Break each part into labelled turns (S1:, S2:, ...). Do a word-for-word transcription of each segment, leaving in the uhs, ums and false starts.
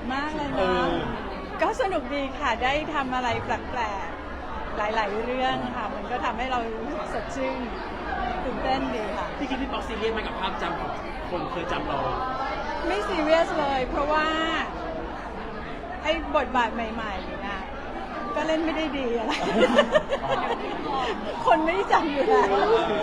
S1: มากเลยนะก็สนุกดีค่ะได้ทำอะไรแปลกๆหลายๆเรื่องค่ะมันก็ทำให้เรารู้สึกสดชื่นตื่นเต้นดีค่ะ
S2: พี่คิดพี่ป๊อกซีเรียสไหมกับภาพจำของคนเคยจำเรา
S1: ไม่ซีเรียสเลย เพราะว่าไอ้บทบาทใหม่ๆนะก็เล่นไม่ได้ดีอะไร คนไม่ได้จำอยู่แล้ว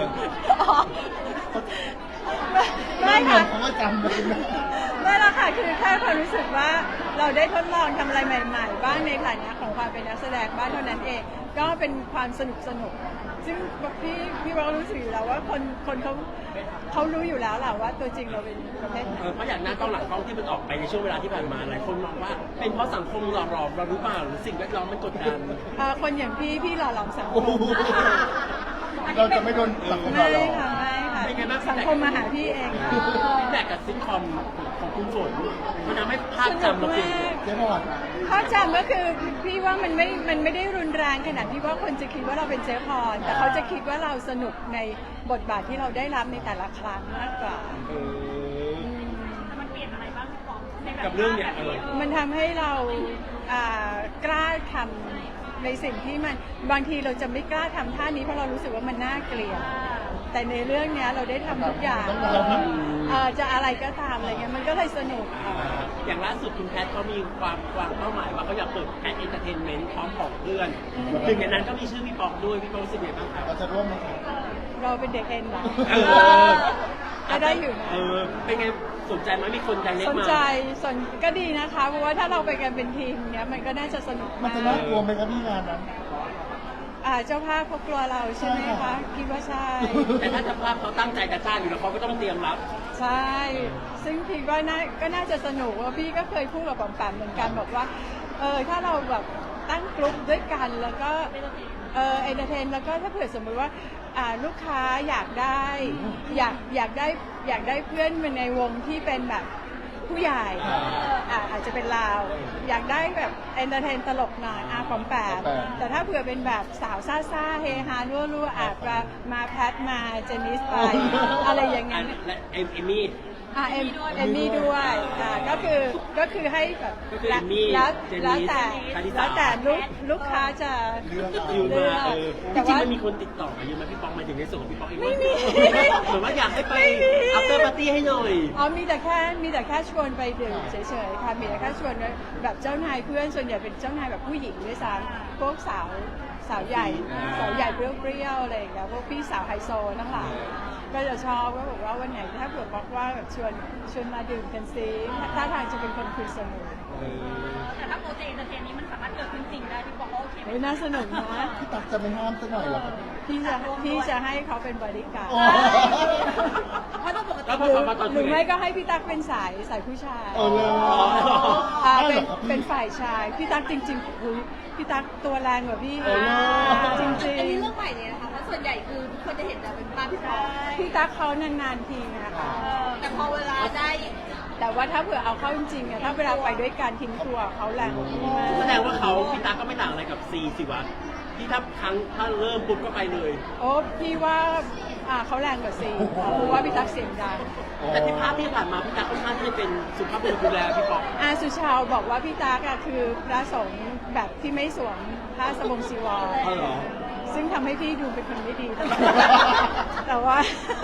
S1: ไม่ค่ะ
S3: เขาก็จำเลยนะ
S1: ไม่ละค่ะคือแค่ความรู้สึกว่าเราได้ทดลองทำอะไรใหม่ๆบ้างในฐานะของความเป็นนักแสดงบ้างเท่านั้นเองก็เป็นความสนุกสนุกซึ่งพี่พี่ว่ารู้สึกอยู่แล้วว่าคนคนเขาเขารู้อยู่แล้วแหละว่าตัวจริงเราเป็นประเภทไหน
S2: เพราะอย่างหน้ากล้องหลังกล้องที่มันออกไปในช่วงเวลาที่ผ่านมาหลายคนมองว่าเป็นเพราะสังคมหล่อหลอมเราหรือเปล่าหรือสิ่งแวดล้อมมันกดดัน
S1: เอ่อคนอย่างพี่พี่หล่อหลอมสังค
S3: โอ้
S1: ม
S3: โหเราจะไม่โดนสังคมหล่
S1: ไม่
S3: อหลอม
S1: ค่ะไม่ค่ะ
S2: เป็นไงบ้าง
S1: สังคมมาหาพี่เองค่ะ
S2: ฟีดแบ็กกับซิทคอมของคุณฝนมันทำให้ภาพจำเราเปลี่ยน
S3: เจ๊พอด
S1: ภาพจำก็คือพี่ว่ามันไม่มันไม่ได้รุนแรงขนาดที่ว่าคนจะคิดว่าเราเป็นเจ๊พรแต่เขาจะคิดว่าเราสนุกในบทบาทที่เราได้รับในแต่ละครั้งมากกว่า
S2: เออ
S4: มันเปลี่ยนอะไรบ้างพี่ปองในแบบ
S2: กับเรื่องเนี้ยเออ
S1: มันทำให้เราอ่ากล้าทำในสิ่งที่มันบางทีเราจะไม่กล้าทำท่านี้เพราะเรารู้สึกว่ามันน่าเกลียดแต่ในเรื่องเนี้ยเราได้ทำทุกอย่างเอ่อจะอะไรก็ตามอะไรเงี้ยมันก็เลยสนุกค่ะ
S2: อย่างล่าสุดคุณแพทเขามีความวางเป้าหมายว่าเขาอยากเปิดแพทเอนเตอร์เทนเมนต์พร้อมของเพื่อนหนึ่งในนั้นก็มีชื่อพี่ป๊อกด้วยพี่ป๊อกรู้สึกยังไงบ้างครับ
S3: เราจะร่วมไหมครับ
S1: เราเป็นเด็กเอ็นเหรอ
S2: เออ
S1: ก็ได้อยู่นะ
S2: เออเป็นไงสนใจไหมมีคนใจเล็ก
S1: สน
S2: มา
S1: ใจสนก็ดีนะคะเพราะว่าถ้าเราไปกันเป็นทีมเนี้ยมันก็น่าจะสนุก
S3: มัน
S1: มา
S3: จะ
S1: ก
S3: น่ากลัวไหมครับพี่งานนั้น
S1: อ่าเจ้าภาพเขากลัวเราใช่ไหม
S3: ใช่
S1: คะ
S3: ค่ะ
S1: คิดว่าใช่
S2: แต่ถ้าเจ้าภาพเขาตั้งใจจะจ้างอยู่แล้วเขาก็ต้องเตรียมรับ
S1: ใช่ซึ่งพี่ว่าน่าก็น่าจะสนุกว่าพี่ก็เคยพูดกับปอมแปมเหมือนกันบอกว่าเออถ้าเราแบบตั้งกลุ่มด้วยกันแล้วก็เออเอนเตอร์เทนแล้วก็ถ้าเผื่อสมมติว่าอ่าลูกค้าอยากได้อยากอยากได้อยากได้เพื่อนมาในวงที่เป็นแบบผู้ใหญ่อ่าอาจจะเป็นลาวอยากได้แบบเอนเตอร์เทนตลกหน่อยอาปอมแปมแต่ถ้าเผื่อเป็นแบบสาวซ่าซ่าเฮฮารั่วรั่วอาจจะมาแพทมาเจนิสไปอะไรอย่างเงี้ย
S2: และเอมเอมี่
S1: อ่าเอมเอมมี่ด้วยอ่าก็คือก็คือให้แบบ
S2: ก็คือ
S1: แล้
S2: เอมมี่
S1: แล้ว
S2: เจนนิส
S1: แล้วแต่
S2: คาริสา
S1: แล้วแต่ลูกลูกค้าจะ
S3: เรื่อง
S2: อยู่มาเออจ
S1: แต่
S2: ริง
S1: ว่า
S2: ๆมันมีคนติดต่อมาเยอะไหมพี่ป๊อกหมายถึงในส่วนของพี่ป๊อกเอง
S1: ไม่มี
S2: เหมือนว่าอยากให้ไป
S1: ไม่มี
S2: after party ให้หน่อย
S1: อ๋อมีแต่แค่มีแต่แค่ชวนไปดื่มเฉยๆค่ะมีแต่แค่ชวนแบบเจ้านายเพื่อนส่วนใหญ่เป็นเจ้านายแบบผู้หญิงด้วยซ้ำพวกสาวสาวใหญ่สาวใหญ่เปรี้ยวๆอะไรอย่างเงี้ยพวกพี่สาวไฮโซทั้งหลายก็จะชอบก็บอกว่าวันไหนถ้าเผื่อบอกว่าแบบชวนชวนมาดื่มกันซิถ้าทางจะเป็นคนคุยสนุก
S4: แต่ถ้าโปรเจกต์เอนเตอร์เทนนี้มันสามารถเกิดขึ้นจริงได้พี่ปองก็โอเคไหม
S1: เฮ้ยน่าสนุกนะ
S3: พี่ตักจะไม่ห้ามสักหน่อยเหรอครับ
S1: พี่จะพี่จะให้เขาเป็นบริการ
S3: โอ้
S4: เพราะต้องปกติ
S2: แล้วพ
S1: ห
S2: อ
S1: รือ
S2: มาตอน
S1: ห
S2: คุ
S1: รื
S2: ย
S1: อไม่ก็ให้พี่ตั๊กเป็นสายสายผู้ชาย
S3: เออเลย
S1: อ่า
S3: ได้
S1: เป็
S3: หร
S1: น
S3: อครับพี่
S1: เป็นฝ่ายชายพี่ตั๊กจริงๆอุ๊ยพี่ตั๊กตัวแรงกว่าพี่
S3: เออ
S1: จริง
S4: อันนี้
S1: ๆ
S4: เรื่องใหม่เลยนะคะเพราะส่วนใหญ่คือทุกคนจะเห็นแต่เป็นภาพพี่ปอง
S1: พี่ตั๊กเขานานๆทีนะคะ
S4: แต่พอเวลาได้
S1: แต่ว่าถ้าเผื่อเอาเข้าจริงๆอะถ้าเวลาไปด้วยกันทิ้งตัวเขาแรงกว่าพี่มาก
S2: แสดงว่าเขาพี่ตาก็ไม่ต่างอะไรกับซีสิวะที่ถ้าครั้งถ้าเริ่มปุ๊บก็ไปเลย
S1: โอ้พี่ว่าอ่าเขาแรงกว่าซีเพราะว่าพี่ตั๊กเสียงดัง
S2: แต่ที่ภาพที่ผ่านมาพี่ตาค่อนข้างที่จะเป็นสุภาพบุรุษดูแลพี่ป๊อก
S1: อาสุชาวบอกว่าพี่ตั๊กอะคือพระสงฆ์แบบที่ไม่สวมผ้าสบงจีวร
S2: อ๋อเหรอ
S1: ซึ่งทำให้พี่ดูเป็นคนไม่ดี แต่ว่า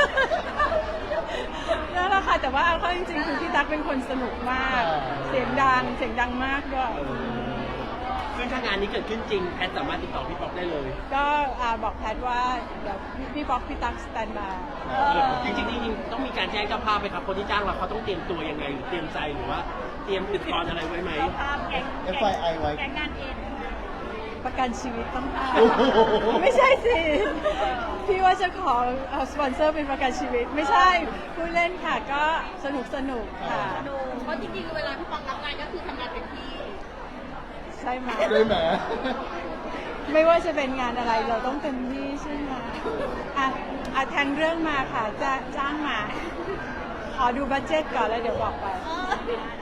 S1: นั่นแหละค่ะแต่ว่าเอาเข้าจริงๆคือพี่ตั๊กเป็นคนสนุกมาก เสียงดังเสียงดังมากด้วย
S2: ซึ่งถ้างานนี้เกิดขึ้นจริงแพทสามารถติดต่อพี่ป๊อกได้เลย
S1: ก็อ่าบอกแพทว่าเดี๋ยวพี่ป๊อกพี่ตั๊กสแตนบาย
S2: จริงๆจริงๆต้องมีการแจ้งเจ้าภาพไหมครับคนที่จ้างเราเขาต้องเตรียมตัวยังไงหรือเตรียมใจหรือว่าเตรียมอุปกรณ์อะไรไว้ไหม
S4: ภาพแก๊ง
S3: เอฟไอไอไว้
S4: แก๊งงานเอ็น
S1: ประกันชีวิตต้องเอา
S3: โอ้โห
S1: ไม่ใช่สิ พี่ว่าจะขอเอาสปอนเซอร์เป็นประกันชีวิต ไม่ใช่พูดเล่นค่ะก็สนุกสนุกค่ะ
S4: ดูเพราะจริงๆเวลาพี่ปองรับงานก็คือทำงานเป็นที่
S1: ใช่ไหม
S3: ได้ไหม
S1: ไม่ว่าจะเป็นงานอะไรเราต้องเต็มที่ใช่ไหมอ่ะอ่ะแทงเรื่องมาค่ะจะจ้างมา ขอดูบัดเจ็ตก่อนแล้วเดี๋ยวบอกไป
S4: เออ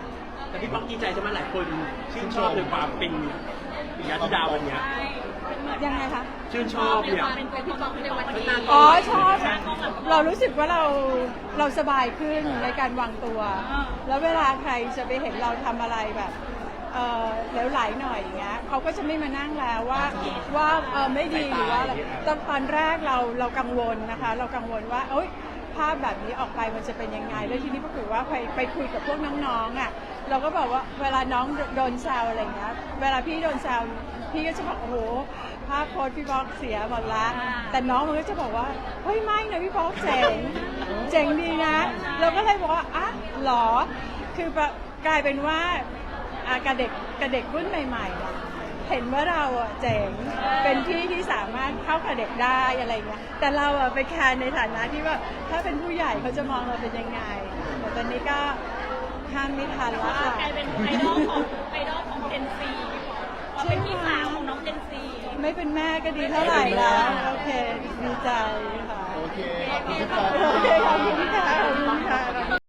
S2: แต่พี่ป๊อกดีใจใช่ไหมหลายคนชื่นชอบในความเป็นปิยธิดาวันเนี้ย
S1: ยังไงคะ
S2: ชื่นชอบเนี่ย
S4: เป็นตัวพี่ป๊อกในวันนี้
S1: อ๋อชอบเรารู้สึกว่าเราเราสบายขึ้นในการวางตัว แล้วเวลาใครจะไปเห็นเราทำอะไรแบบเออเหลวไหลหน่อยอย่างเงี้ยเขาก็จะไม่มานั่งแล้วว่าว่าเออไม่ดีหรือว่าอะไรตอนตอนแรกเราเรากังวลนะคะ เรากังวลว่าเอ้ยภาพแบบนี้ออกไปมันจะเป็นยังไงแล้วทีนี้ปรากฏว่าไปไปคุยกับพวกน้องๆอ่ะเราก็บอกว่าเวลาน้องโดนแซวอะไรเงี้ยเวลาพี่โดนแซวพี่ก็จะบอกโอ้โหภาพโพสต์พี่ป๊อกเสียหมดละแต่น้องมันก็จะบอกว่าเฮ้ยไม่นะพี่ป๊อกเจ๋งเจ๋งดีนะเราก็เลยบอกว่าอ่ะหรอคือแบบกลายเป็นว่าอ่ะกับเด็กกับเด็กรุ่นใหม่ๆอะเห็นว่าเราอ่ะเจ๋งเป็นพี่ที่สามารถเข้ากับเด็กได้อะไรเงี้ยแต่เราอ่ะไปแคร์ในฐานะที่ว่าถ้าเป็นผู้ใหญ่เขาจะมองเราเป็นยังไงแต่ตอนนี้ก็ห้ามไม่ทันแล้วค่ะ
S4: กลายเป็นไอดอลของไอดอลของเจนซีพอเป็นพี่สาวของน้องเจนซี
S1: ไม่เป็นแม่ก็ดีเท่าไหร่แล้ว โอเค ดีใจค่ะ
S3: โอเคขอบคุณครับ
S1: โอเคขอบคุณค่ะขอบคุณค่ะ